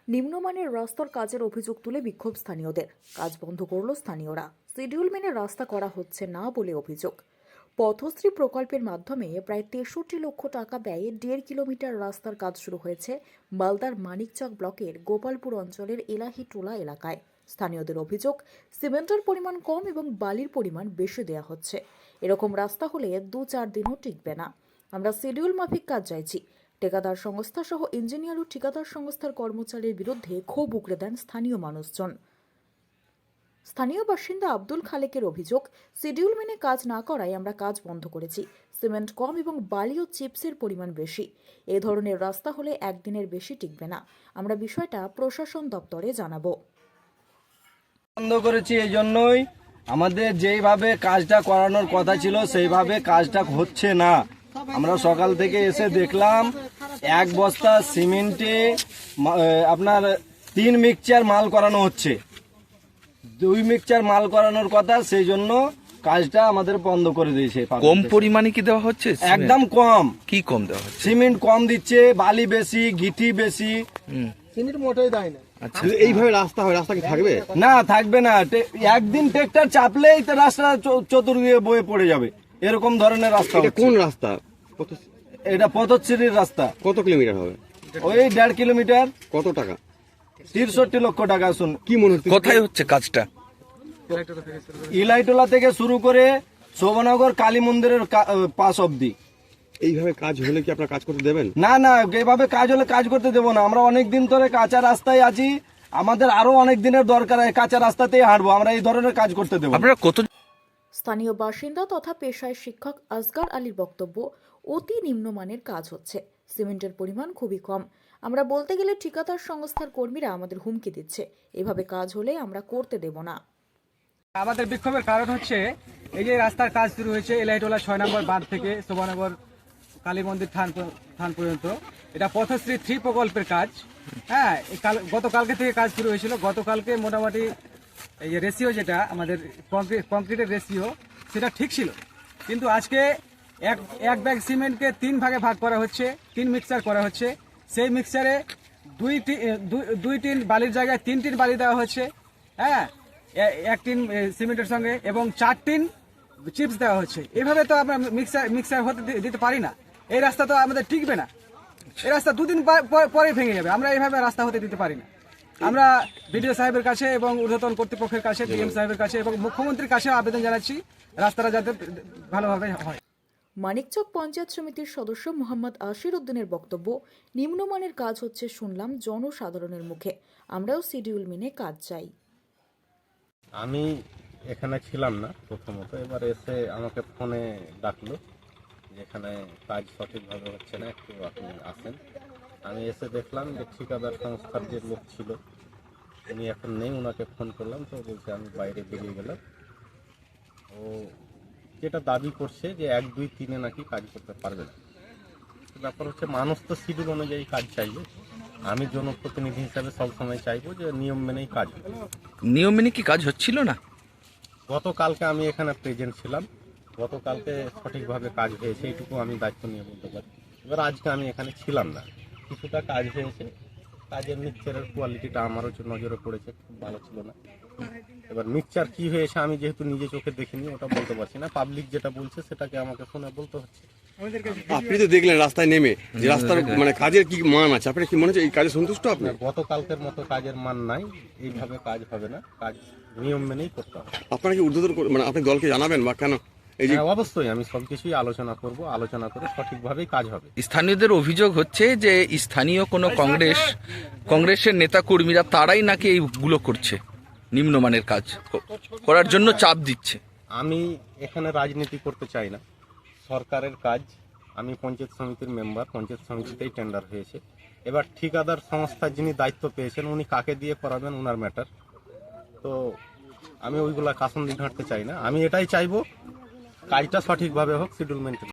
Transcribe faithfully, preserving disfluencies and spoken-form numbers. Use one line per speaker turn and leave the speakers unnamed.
নিম্নমানের রাস্তার কাজের অভিযোগ তুলে বিক্ষোভ স্থানীয়দের। কাজ বন্ধ করল স্থানীয়রা। শিডিউল মেনে রাস্তা করা হচ্ছে না বলে অভিযোগ। পথশ্রী প্রকল্পের মাধ্যমে প্রায় তেষট্টি লক্ষ টাকা ব্যয়ে দেড় কিলোমিটার রাস্তার কাজ শুরু হয়েছে মালদার মানিকচক ব্লকের গোপালপুর অঞ্চলের এলাহিটোলা এলাকায়। স্থানীয়দের অভিযোগ, সিমেন্টের পরিমাণ কম এবং বালির পরিমাণ বেশি দেওয়া হচ্ছে। এরকম রাস্তা হলে দু চার দিনও টিকবে না। আমরা শিডিউল মাফিক কাজ চাইছি। ঠিকাদার সংস্থা সহ ইঞ্জিনিয়ার ও ঠিকাদার সংস্থার কর্মচারীর বিরুদ্ধে ক্ষোভ উগরে দেন স্থানীয় মানুষজন। স্থানীয় বাসিন্দা আব্দুল খালেকের অভিযোগ, শিডিউল মেনে কাজ না করায় আমরা কাজ বন্ধ করেছি। সিমেন্ট কম এবং বালি ও চিপসের পরিমাণ বেশি। এ ধরনের রাস্তা হলে একদিনের বেশি টিকবে না। আমরা বিষয়টা প্রশাসন দপ্তরে জানাবো।
বন্ধ করেছি এই জন্যই, আমাদের যেইভাবে কাজটা করানোর কথা ছিল সেইভাবে কাজটা হচ্ছে না। আমরা সকাল থেকে এসে দেখলাম এক বস্তা সিমেন্টে আপনার তিন মিক্সচার মাল করানো হচ্ছে। দুই মিক্সচার মাল করানোর কথা, সেই জন্য কাজটা আমাদের বন্ধ করে দিয়েছে।
কম পরিমাণে কি দেওয়া হচ্ছে?
একদম কম।
কি কম দেওয়া হচ্ছে?
সিমেন্ট কম দিচ্ছে, বালি বেশি, গিটি বেশি।
সিমেন্ট মোটেই দেয় না।
আচ্ছা,
এইভাবে রাস্তা হয়, রাস্তা কি থাকবে?
না, থাকবে না। একদিন ট্রেক্টর চাপলেই তো রাস্তা চতুর্দিকে বয়ে পড়ে যাবে, এরকম ধরনের রাস্তা।
কোন রাস্তা?
এটা পথশ্রীর রাস্তা।
কত কিলোমিটার হবে?
ওই দেড় কিলোমিটার।
কত টাকা?
তিরষট্টি লক্ষ টাকা। শুন,
কি মনে হচ্ছে
কোথায় হচ্ছে কাজটা?
ইলাইটোলা থেকে শুরু করে শোভনগর কালী মন্দিরের পাশ অব্দি।
এইভাবে কাজ হলে কি আপনারা কাজ করতে দেবেন?
না না, এইভাবে কাজ হলে কাজ করতে দেবো না। আমরা অনেক দিন ধরে কাঁচা রাস্তায় আছি, আমাদের আরো অনেক দিনের দরকার। কাঁচা রাস্তাতেই হাঁটবো, আমরা এই ধরনের কাজ করতে দেবো।
আপনারা কত?
স্থানীয় বাসিন্দা তথা পেশায় শিক্ষক আসগার আলীর বক্তব্য, অতি নিম্নমানের কাজ হচ্ছে। সিমেন্টের পরিমাণ খুবই কম। আমরা বলতে গেলে ঠিকাদার সংস্থার কর্মীরা আমাদের হুমকি দিচ্ছে। এভাবে কাজ হলে আমরা করতে দেব না।
আমাদের বিক্ষোভের কারণ হচ্ছে এই যে রাস্তার কাজ শুরু হয়েছে এলাইটোলা ছয় নম্বর বাঁধ থেকে শোভনগর কালী মন্দির থান থান পর্যন্ত। এটা পথশ্রী থ্রি প্রকল্পের কাজ। হ্যাঁ, গতকালকে থেকে কাজ শুরু হয়েছিল। গতকালকে মোটামুটি এই যে রেশিও, যেটা আমাদের কংক্রিটের রেশিও, সেটা ঠিক ছিল। কিন্তু আজকে এক এক ব্যাগ সিমেন্টকে তিন ভাগে ভাগ করা হচ্ছে, তিন মিক্সচার করা হচ্ছে। সেই মিক্সচারে দুই দুই টিন বালির জায়গায় তিন টিন বালি দেওয়া হচ্ছে। হ্যাঁ, এক টিন সিমেন্টের সঙ্গে এবং চার টিন চিপস দেওয়া হচ্ছে। এভাবে তো আমরা মিক্সার মিক্সার হতে দিতে পারি না। এই রাস্তা তো আমাদের টিকবে না। এই রাস্তা দুদিন পরে ভেঙে যাবে। আমরা এইভাবে রাস্তা হতে দিতে পারি না। আমরা বিডিও সাহেবের কাছে এবং ঊর্ধ্বতন কর্তৃপক্ষের কাছে, ডিএম সাহেবের কাছে এবং মুখ্যমন্ত্রীর কাছে আবেদন জানাচ্ছি, রাস্তাটা যাতে ভালোভাবে হয়।
মানিকচক পঞ্চায়েত সমিতির সদস্য মোহাম্মদ আশির উদ্দিনের বক্তব্য, নিম্নমানের কাজ হচ্ছে শুনলাম জনসাধারণের মুখে। আমরাও শিডিউল মেনে কাজ চাই।
আমি এখানে ছিলাম না প্রথমত, এবার এসে আমাকে ফোনে ডাকলো, যেখানে কাজ সঠিকভাবে হচ্ছে না, একটু আপনি আসেন। আমি এসে দেখলাম যে ঠিকাদার সংস্থার যে লোক ছিল উনি এখন নেই। ওনাকে ফোন করলাম, তো বলছে আমি বাইরে বেরিয়ে গেলাম। ও যেটা দাবি করছে যে এক দুই তিনে নাকি কাজ করতে পারবে না। ব্যাপার হচ্ছে, মানুষ তো শিডিউল অনুযায়ী কাজ চাইবে। আমি জনপ্রতিনিধি হিসাবে সবসময় চাইবো যে নিয়ম মেনেই কাজ।
নিয়ম মেনে কি কাজ হচ্ছিল না?
গতকালকে আমি এখানে প্রেজেন্ট ছিলাম, গতকালকে সঠিকভাবে কাজ হয়েছে, এইটুকু আমি দায়িত্ব নিয়ে বলতে পারি। এবার আজকে আমি এখানে ছিলাম না, কিছুটা কাজ হয়েছে। কাজের মিক্সচারের কোয়ালিটিটা আমারও নজরে পড়েছে, খুব ভালো ছিল না। এবার মিক্সচার কি হয়েছে আমি যেহেতু নিজে চোখে দেখিনি, ওটা বলতে পারছি না। পাবলিক যেটা বলছে সেটাকে আমাকে শুনে বলতে হচ্ছে।
আপনি তো দেখলেন রাস্তায় নেমে যে রাস্তার মানে কাজের কি মান আছে, আপনার কি মনে হচ্ছে এই কাজে সন্তুষ্ট আপনি?
গতকালকের মতো কাজের মান নাই, এইভাবে কাজ হবে না। কাজ নিয়ম মেনেই করতে হবে।
আপনারা কি ঊর্ধ্বতন মানে আপনি দলকে জানাবেন বা কেন? এই যে
অবশ্যই আমি সবকিছুই আলোচনা করব, আলোচনা করে সঠিকভাবেই কাজ হবে।
স্থানীয়দের অভিযোগ হচ্ছে যে স্থানীয় কোনো কংগ্রেস কংগ্রেসের নেতা কর্মীরা তারাই নাকি এইগুলো করছে, নিম্নমানের কাজ করার জন্য চাপ দিচ্ছে।
আমি এখানে রাজনীতি করতে চাই না, সরকারের কাজ। আমি পঞ্চায়েত সমিতির মেম্বার, পঞ্চায়েত সমিতিতেই টেন্ডার হয়েছে। এবার ঠিকাদার সংস্থার যিনি দায়িত্ব পেয়েছেন উনি কাকে দিয়ে করাবেন ওনার ম্যাটার। তো আমি ওইগুলা কাসন দিন হাঁটতে চাই না। আমি এটাই চাইবো কাজটা সঠিকভাবে হোক, শিডিউল মেনটেন।